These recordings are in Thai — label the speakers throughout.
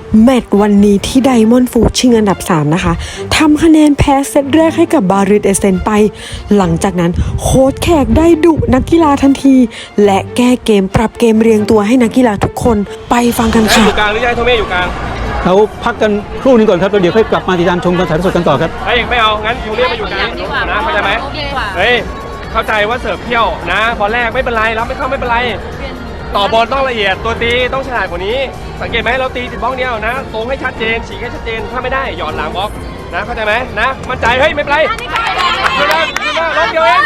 Speaker 1: แมตช์วันนี้ที่ไดมอนด์ฟูดชิงอันดับ3นะคะทำคะแนนแพ้เซตแรกให้กับบาริสเอเซนไปหลังจากนั้นโค้ชแขกได้ดุนักกีฬาทันทีและแก้เกมปรับเกมเรียงตัวให้นักกีฬาทุกคนไปฟังกันค่ะ
Speaker 2: อยู่กลางหรือยังโทเม่อยู่กลาง
Speaker 3: เราพักกันครู่นึงก่อนครับแล้วเดี๋ยวค่อยกลับมาติดตามชมการถ่ายทอดสดกันต่อครับ
Speaker 2: เฮ้ยไม่เอางั้นยูเรียกมาอยู่กลางนะเข้าใจไหมเฮ้ยเข้าใจว่าเสิร์ฟเที่ยวนะบอลแรกไม่เป็นไรรับไม่เข้าไม่เป็นไรต่อบอลต้องละเอียดตัวตีต้องฉลาดกว่านี้สังเกตไหมเราตีติดบล็อกเดียวนะตรงให้ชัดเจนฉีกให้ชัดเจนถ้าไม่ได้หย่อนหลังบล็อกนะเข้าใจไหมนะมั่นใจเฮ้ยไม่เป็นไรขึ้นมาล็อกเดียวเอง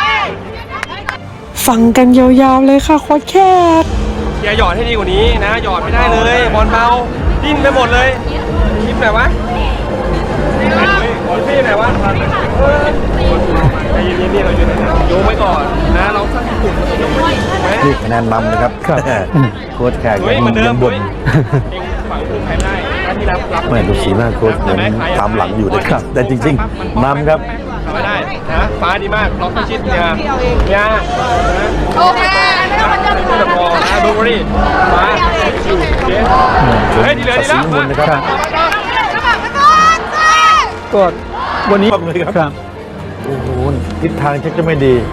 Speaker 1: ฟังกันยาวๆเลยค่ะโค้ชแขก
Speaker 2: อย่าหยอดให้ดีกว่านี้นะหยอดไม่ได้เลยบอลเบาดิ้นไปหมดเลยคิดหน่อยวะบอลพี่หน่อยวะใจเย็นๆนี่เราอยู่โยงไว้ก่อนนะเราสร้างกลุ่มโยงไว้
Speaker 4: นี่คะแนนนำนะครับโค้ชแขกยังบ่น
Speaker 2: ฝั่งคือใครได้ที่รับ
Speaker 4: ไม่ดูสีหน้าโค้ชเหมือนตามหลังอยู่นะครับแต่จริงๆนำครับ
Speaker 2: ไม่ได้นะฟ้าดีมากล็อกชิดเนี่ย
Speaker 5: โอเคไม่ต้องมาเจอกัน
Speaker 2: แล้วพอนะดูรีฟ้าเฮ้ยดีเลยดีแล้ว
Speaker 4: นะครับ
Speaker 3: ก็วันนี้
Speaker 4: เลยครับโอ้โหทิศทางชักจะไม่ดี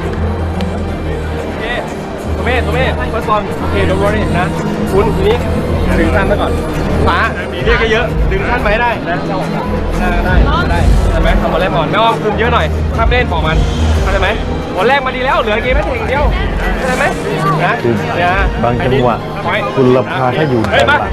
Speaker 2: โอเคโทเม่เฟิร์สบอลโอเคดูรีนะคุณทีนี้ดึงท่านไปก่อนฟ้าเรียกเยอะดึงท่านไปได้นะได้ใช่ไหมทำบอลแรกก่อนไม่อ้อมคืนเยอะหน่อยถ้าไม่เล่นบอกมันเข้าใจไหมบอลแรกมาดีแล้วเหลือเกมไม่ถึงเดียวเข้าใจไหมนะ
Speaker 4: บางจังหวะคุณละพาถ้าอยู่ด้านหลัง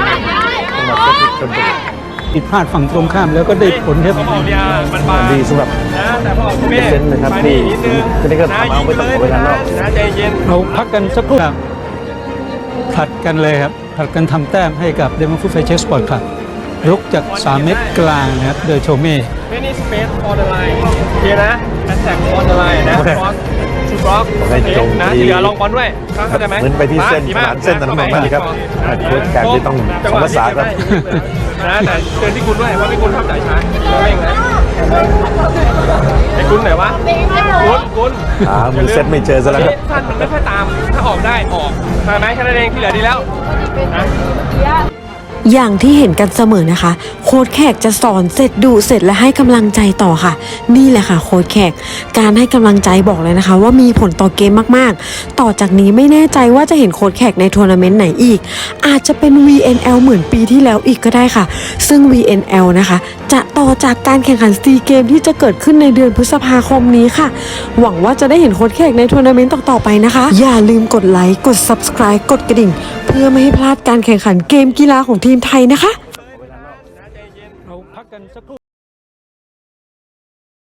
Speaker 3: ผิดพลาดฝั่งตรงข้ามแล้วก็ได้ผลครับ
Speaker 4: ดีสำหรับเซนนะครับที่จะได้ก็ทำเอาไปต้องเวลานอก
Speaker 2: ใจเย็น
Speaker 3: เราพักกันสักครู่ครับผลัดกันเลยครับผลัดกันทำแต้มให้กับเดมอนฟูดไฟเชสสปอร์ตครับรุกจาก3 เมตรกลางนะครับโดยโชเม่
Speaker 2: ไม่นี่สเปซออนไลน์โอเคนะแอตแทกออนไลน์นะบอลชูบล็อกนะเหลือลงบอลด้วยเข้าใจไหม
Speaker 4: เหมือนไปที่เส้นผ่านเส้นนั้นมากๆครับโค้ชแขกที่ต้องสมศาสตร์ครับ
Speaker 2: นะแต่เตือนที่คุณด้วยว่าพี่คุณทำจ่ายช้าเร่งนะไอ้คุณไหนวะคุณ
Speaker 4: มือเซตไม่เจอซะแล้วครับ
Speaker 2: ท่านมันไม่ค่อยตามถ้าออกได้ออกใช่ไหมแค่นั้นเองที่เหลือดีแล้วนะ
Speaker 1: อย่างที่เห็นกันเสมอนะคะโค้ชแขกจะสอนเสร็จดุเสร็จและให้กำลังใจต่อค่ะนี่แหละค่ะโค้ชแขกการให้กำลังใจบอกเลยนะคะว่ามีผลต่อเกมมากๆต่อจากนี้ไม่แน่ใจว่าจะเห็นโค้ชแขกในทัวร์นาเมนต์ไหนอีกอาจจะเป็น VNL เหมือนปีที่แล้วอีกก็ได้ค่ะซึ่ง VNL นะคะจะต่อจากการแข่งขันซีเกมที่จะเกิดขึ้นในเดือนพฤษภาคมนี้ค่ะหวังว่าจะได้เห็นโค้ชแขกในทัวร์นาเมนต์ต่อๆไปนะคะอย่าลืมกดไลค์กด Subscribe กดกระดิ่งเพื่อไม่ให้พลาดการแข่งขันเกมกีฬาของทีมไทยนะคะ
Speaker 3: เราพักกันสักครู่